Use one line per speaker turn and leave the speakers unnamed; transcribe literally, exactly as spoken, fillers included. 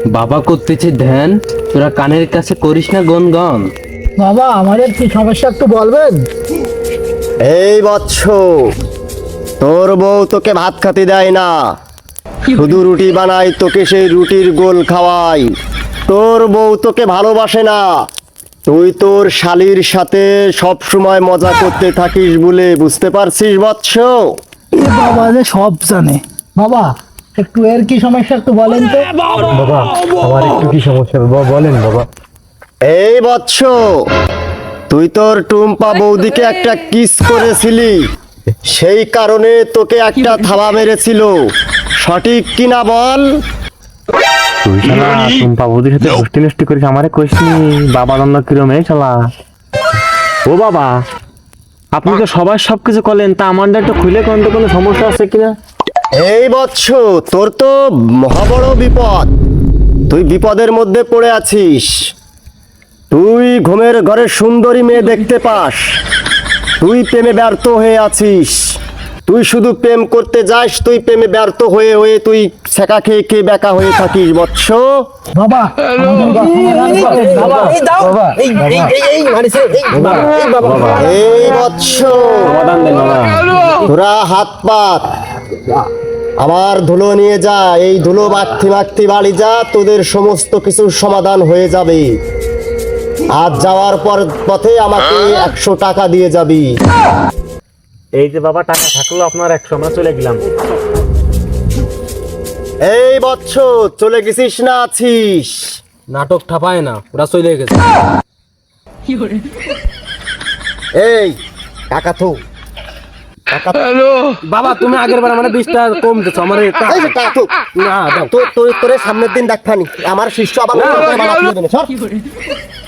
বাবা করতেছে ধ্যান, তোরা কানের কাছে করিস না গনগন।
বাবা আমাদের কি সমস্যা একটু বলবেন?
এই বৎস, তোর বউ তোকে ভাত খেতে দেয় না, শুধু রুটি বানাই, তোকে সেই রুটির গোল খাওয়াই। তোর বউ তোকে ভালোবাসে না, তুই তোর শালির সাথে সব সময় মজা করতে থাকিস বলে, বুঝতে পারছিস বৎস?
এ বাবা যে সব জানে। বাবা একটু এর কি সমস্যা একটু বলেন তো।
বাবা আমার একটু কি সমস্যা বাবা বলেন বাবা।
এই বৎস, তুই তোর টুম্পা বৌদিকে একটা কিস করেছিলি, সেই কারণে তোকে একটা থাবা মেরেছিল, সঠিক কিনা বল?
তুই শালা টুম্পা বৌদির সাথে গোষ্ঠী নষ্টি করিস, আমারে কইসনি বাবা দ্বন্দ্ব কিরম এই শালা। ও বাবা, আপনি তো সবার সবকিছু করলেন, তা আমারটা একটু খুলে কোন তো কোনো সমস্যা আছে কিনা?
এই বৎস, তোর তো মহা বড় বিপদ, তুই বিপদের মধ্যে পড়ে আছিস। তুই ঘুমের ঘরে সুন্দরী মেয়ে দেখতে পাস, তুই প্রেমে ব্যর্থ হয়ে আছিস। তুই শুধু প্রেম করতে যাস, তুই প্রেমে ব্যর্থ হয়ে হয়ে তুই ছেঁকা খেয়ে খেয়ে বেকা হয়ে থাকিস বৎস।
বাবা
এই বৎস,
সমাধান দেন বাবা।
তোরা হাত পাত, আমার ধুলো নিয়ে যা, এই ধুলো মাখতে মাখতে বাড়ি যা, তোদের সমস্ত কিছুর সমাধান হয়ে যাবে। আজ যাওয়ার পর পথে আমাকে একশো টাকা দিয়ে যাবি।
এই যে বাবা টাকা থাকলো আপনার একশো, আমরা চলে গেলাম।
এই বৎস, চলে গেছিস না আছিস?
নাটক ঠাপায় না, ওরা চলে গেছে।
এই টাকা তো
বাবা তুমি আগের বার মানে বিশটা কম দিছো আমার।
এই যে টাকা তো
না দাও।
তোর তোর তোরে সামনের দিন দেখানি আমার শিষ্য আবার সর।